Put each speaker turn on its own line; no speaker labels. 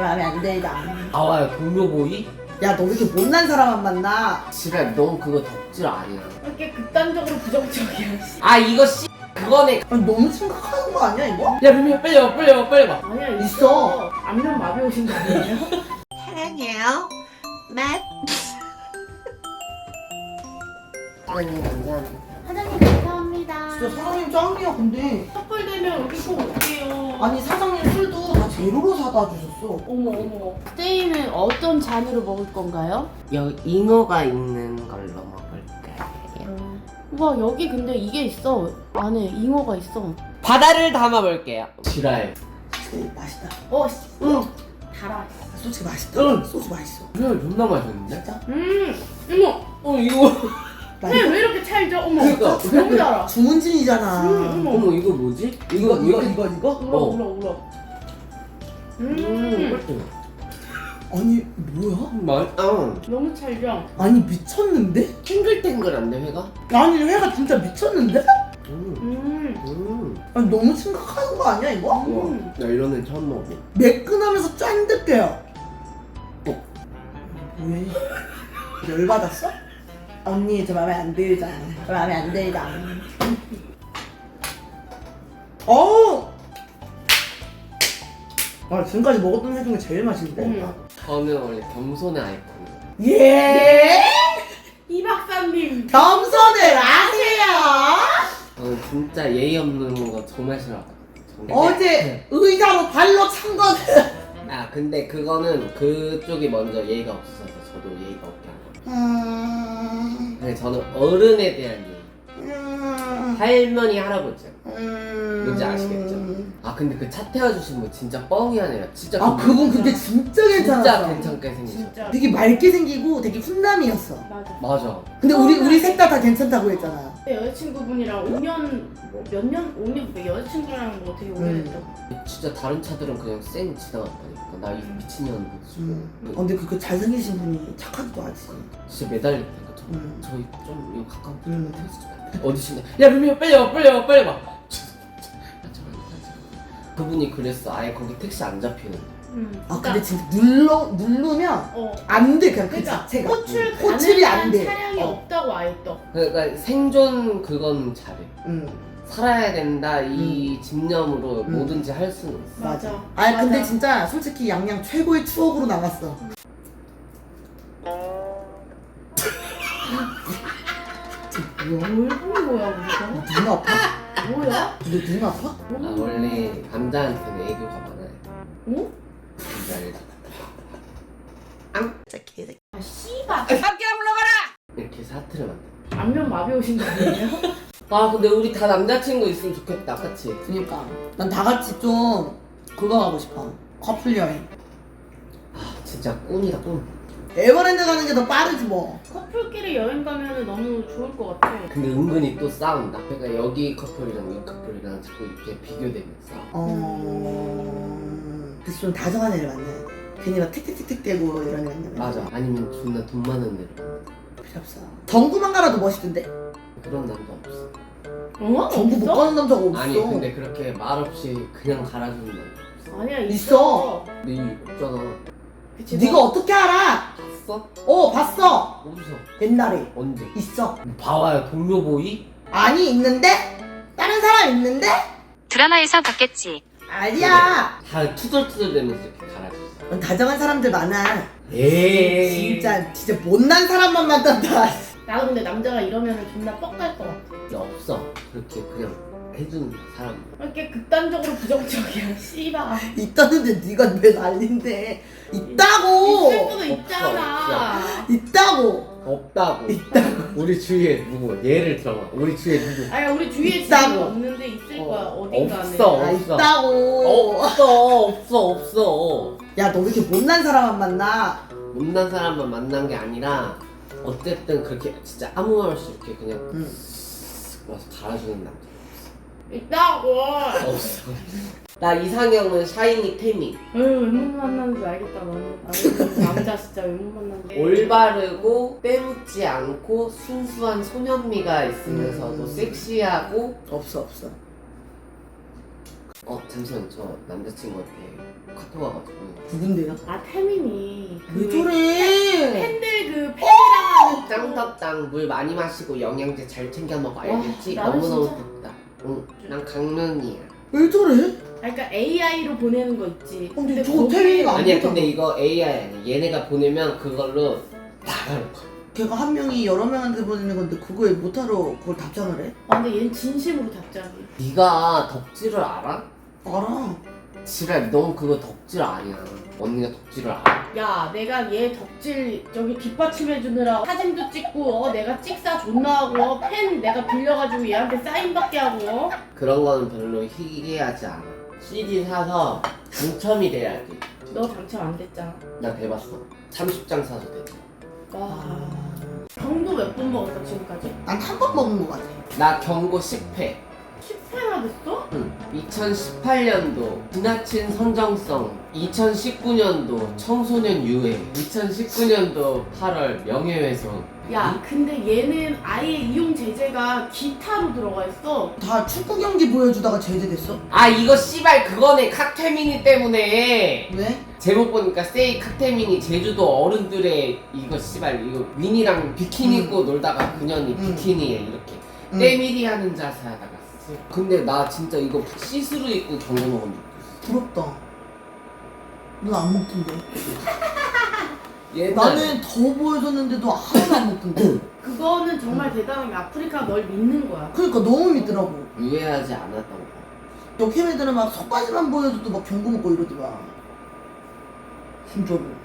마음에 안 들다.
나와요 동료보이?
야, 너 왜 이렇게 못난 사람만 만나?
지랄 넌 그거 덕질 아니야.
왜 이렇게 극단적으로 부정적이야. 씨.
아 이거 그거네.
아니, 너무 심각한 거 아니야, 이거?
야 루미야 빨리 와 빨리 와 빨리 와.
아니야
있어.
안면 마비 오신 거 아니에요?
사랑해요. 맛.
사장님 감사합니다.
사장님 감사합니다.
진짜 사장님 짱이야, 근데.
커플 되면 여기 꼭 올게요.
아니, 사장님 술도 다 제로로 사다 주셨어.
어머. 스테이는 어떤 잔으로 먹을 건가요?
여기 잉어가 있는 걸로 먹을까요?
와 여기 근데 이게 있어. 안에 잉어가 있어.
바다를 담아볼게요. 지랄.
솔직히 맛있다.
응.
달아.
솔직히 맛있다.
응.
소주 맛있어.
지랄 존나 맛있는데?
진짜?
어머.
이거.
왜 이렇게 찰져? 어머.
그러니까.
너무 달아.
주문진이잖아.
어머.
이거 뭐지?
이거.
울어.
꿀팁.
아니, 뭐야?
맛.
너무 찰져.
아니, 미쳤는데?
탱글탱글한데 회가?
아니, 회가 진짜 미쳤는데? 아니, 너무 심각한 거 아니야, 이거?
우와. 나 이런 애 처음 먹어.
매끈하면서 짠득해요. 왜? 열받았어? 언니, 저 맘에 안 들자. 저 맘에 안 들다. 아, 지금까지 먹었던 회 중에 제일 맛있는데?
저는 원래 겸손의 아이콘.
예?
이 박사님.
겸손을 아세요?
저는 진짜 예의 없는 거 정말 싫어하거든요.
어제 의자로 발로 찬 거는.
아 근데 그거는 그쪽이 먼저 예의가 없어서 저도 예의가 없게 한 거예요. 근데 저는 어른에 대한 예의. 할머니 할아버지. 뭔지 아시겠죠? 아 근데 그 차 태워주신 분 진짜 뻥이 아니라 진짜
아, 그분 근데 진짜 괜찮았어.
진짜 괜찮게 생기셨어.
진짜.
되게 맑게 생기고 되게 훈남이었어.
맞아.
맞아.
근데 우리 셋 다 괜찮다고 했잖아.
여자친구분이랑 5년 몇 년? 5년 여자친구랑 뭐 되게 오래됐다.
진짜 다른 차들은 그냥 쌩 지나갔다니까. 나 이 미친년 보고
근데 그 잘생기신 분이 착하기도 하지.
진짜 매달렸다니까.
음.
저희 좀 이거 가까운
음.
데서 좀 어디신데? 야 루미야 빨리 와 빨리 와 빨리 와. 그분이 그랬어. 아예 거기 택시 안 잡히는데.
아, 근데 진짜 누르면 안 돼, 그냥 그
그러니까
자체가.
호출이
안 돼.
차량이 없다고 아예 떠.
그러니까 생존 그건 잘해.
응,
살아야 된다 이 집념으로 뭐든지 할 수는 있어.
맞아.
아, 근데
맞아.
진짜 솔직히 양양 최고의 추억으로 남았어.
뭘 보는 거야 우리가?
눈 아파?
뭐야?
너 눈 아파?
아 원래 남자한테는 애교가 많아요.
어?
뭔지 알지?
진짜 개새끼.
아 씨발.
이렇게 사투를 만들어.
안면 마비 오신 거 아니에요?
아 근데 우리 다 남자친구 있으면 좋겠다, 그치?
그니까 난 다 같이 좀 그거 가고 싶어. 커플 여행.
아 진짜 꿈이다 꿈.
에버랜드 가는 게 더 빠르지 뭐.
커플끼리 여행 가면 너무 좋을 것 같아.
근데 은근히 또 싸운다. 그러니까 여기 커플이랑 이 커플이랑 자꾸 이렇게 비교되면서
그래서 좀 다정한 애를 만나야 돼. 괜히 막 틱틱틱틱 대고 이런 애 만나면.
맞아. 아니면 존나 돈 많은 애를 만나.
필요 없어. 정구만 가라도 멋있던데?
그런 남자 없어.
정구 못 가는 남자가 없어.
아니 근데 그렇게 말없이 그냥 갈아주는 남자 없어.
아니야
있어.
근데 이 없잖아.
그치,
네가 어떻게 알아?
봤어?
봤어.
어디서?
옛날에
언제?
있어.
봐와요 동료보이?
아니, 있는데? 다른 사람 있는데?
드라마에서 봤겠지.
아니야.
다 투덜투덜대면서 이렇게 갈아줬어.
넌 다정한 사람들 많아.
에이
진짜 못난 사람만 만난다.
나도 근데 남자가 이러면 존나 뻑갈 것 같아.
없어. 그렇게 그냥 해주는 사람.
왜 이렇게 극단적으로 부정적이야. 씨발.
있다는데 네가 왜 난린데? 있다고.
있을 수도 있잖아.
있다고.
없다고. 우리 주위에 누구? 예를 들어봐. 우리 주위에 누구?
아니 우리 주위에
있다고.
지금 없는데 있을 거야 어딘가에.
없어.
아, 있다고.
없어.
야, 너 왜 이렇게 못난 사람만 만나?
못난 사람만 만난 게 아니라 어쨌든 그렇게 진짜 아무 말 없이 이렇게 그냥 와서 갈아주는 남자
있다고.
없어. 나 이상형은 샤이니 태미.
왜못 만나는지 알겠다 너는. 아니 남자 진짜 왜 못 만나는지.
올바르고 빼묻지 않고 순수한 소년미가 있으면서도 섹시하고
없어.
잠시만 저 남자친구한테 카톡 와가지고
누군데요?
아 태민이
왜 저래?
팬들 그 팬이랑 하는
짱 덥당 물 많이 마시고 영양제 잘 챙겨 먹어 알겠지?
나는
너무너무
진짜-
덥다. 응, 난 강릉이야.
왜 저래?
그러니까 AI로 보내는 거 있지.
근데 저
거기-
태민이가
아니야
보잖아.
근데 이거 AI 아니야. 얘네가 보내면 그걸로 나가는 거야.
걔가 한 명이 여러 명한테 보내는 건데 그거에 못하러 그걸 답장을 해?
아, 근데 얘는 진심으로 답장해.
네가 덕질을 알아?
알아.
지랄 넌 그거 덕질 아니야. 언니가 덕질을 알아.
야, 내가 얘 덕질 저기 뒷받침해주느라 사진도 찍고 내가 찍사 존나 하고 펜 내가 빌려가지고 얘한테 사인받게 하고
그런 거는 별로 희귀하지 않아. CD 사서 당첨이 돼야지.
너 당첨 안 됐잖아.
나 돼봤어. 30장 사서 돼.
와. 경도 몇 번 먹었어 지금까지?
난 한 번 먹은 거 같아.
나 경고 10회.
10회나 됐어?
2018년도 지나친 선정성, 2019년도 청소년 유해, 2019년도 8월 명예훼손.
야, 근데 얘는 아예 이용 제재가 기타로 들어가 있어.
다 축구 경기 보여주다가 제재됐어?
아 이거 씨발 그거네. 칵테미니 때문에.
왜?
제목 보니까 세이 칵테미니 제주도 어른들의 이거 씨발 이거 윈이랑 비키니 입고 놀다가 그년이 비키니에 이렇게 때밀이 하는 자세 하다가 근데 나 진짜 이거 시스루 입고 경고 먹은 적
부럽다. 넌 안 먹던데.
있어.
나는 더 보여줬는데도 하나도 안 먹던데.
그거는 정말 대단한 게 아프리카 널 믿는 거야.
그러니까 너무 믿더라고.
유해하지 않았던 거.
역캠 애들은 막 속바지만 보여줘도 막 경고 먹고 이러더라. 진짜로.